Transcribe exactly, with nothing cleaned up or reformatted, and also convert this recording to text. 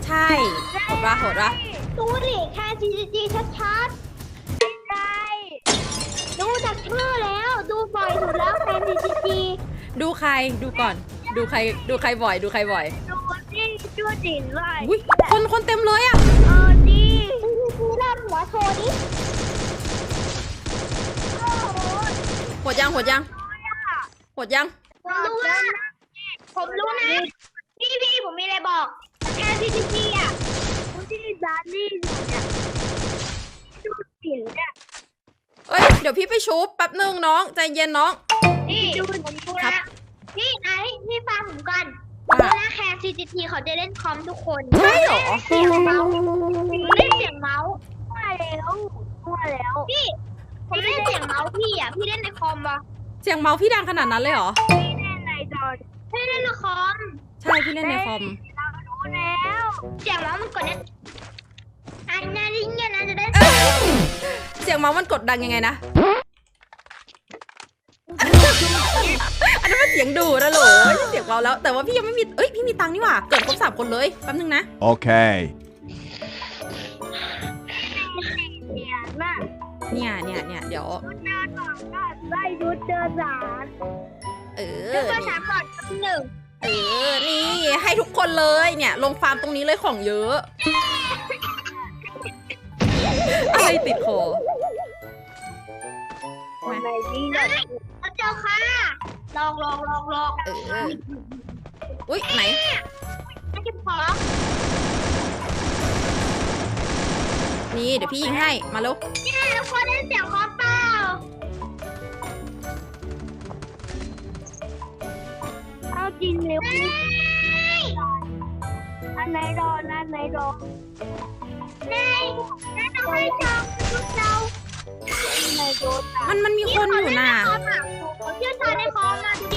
ใช่โหดวะโหดวะดูดิแค่ ซี จี จี ชัดๆใช่ดูจากชื่อแล้วดูบ่อยสุดแล้วแค่ ซี จี จีดูใครดูก่อน ดูใครดูใครบ่อยดูใครบ่อยดูที่ชื่อจิ๋นเลยอุ้ยคนคนเต็มเลยอ่ะเออดิซีเริ่มหัวโชว์ดิโอ้โหโหดยังโหดยังโหดยังผมรู้ว่าผมรู้นะพี่พี่ผมมีอะไรบอกแค่ ซี จี จี อ่ะที่ดาร์ลี่อยู่เนี่ยดูจิ๋นเนี่ยเอ้ยเดี๋ยวพี่ไปชุบแป๊บนึงน้องใจเย็นน้องนี่ดูผมดูครันะบพี่ไอ้พี่ฟังผมก่อนว่าเวลาแคร์ ซี จี ที เขาจะเล่นคอมทุกคนใช่เหรอเสียงเมาส์เล่นเสียงเมาส์มั่วแล้วมั่วแล้วพี่ผมเล่นเสียงเมาส์พี่อ่ะพี่เล่นในคอมปะเสียงเมาส์พี่ดังขนาดนั้นเลยเหรอพี่เล่นในจอพี่เล่นในคอมใช่พี่เล่นในคอมเรารู้แล้วเสียงเมาส์มันกดเนี่ยอันนั้นยิ่งเงี้ยนะจะได้เสียงเมาส์มันกดดังยังไงนะ อันนั้นมันเสียงดูดนะโหลไม่ใช่เสียงเบาแล้ว แต่ว่าพี่ยังไม่มี เอ้ยพี่มีตังค์นี่หว่า เกิดครบสามคนเลยแป๊บนึงนะ Okay. เสียงมากเนี่ยเนี่ยเนี่ยเดี๋ยวชุดเดินสองก็ได้ชุดเดินสามเอชุอดเดินนี่สามก่อนหนึ่งเออ นี่ให้ทุกคนเลยเนี่ย ลงฟาร์มตรงนี้เลยของเยอะ อะไรติดคอคนไหนดีเลยเจ้าค่ะลองลองลองลองเออ อุ้ยไหนไม่ใช่ของนี่เดี๋ยวพี่ยิงให้ มาเร็วเนี่ยทุกคนได้เสียงคอเปล่าเอาจริงเร็วอันไหนรออันไหนรอในในต้องให้จองทุกเจ้าในโดนมันมันมีคนอยู่น่ะผมเชื่อชาญในคอมนะดู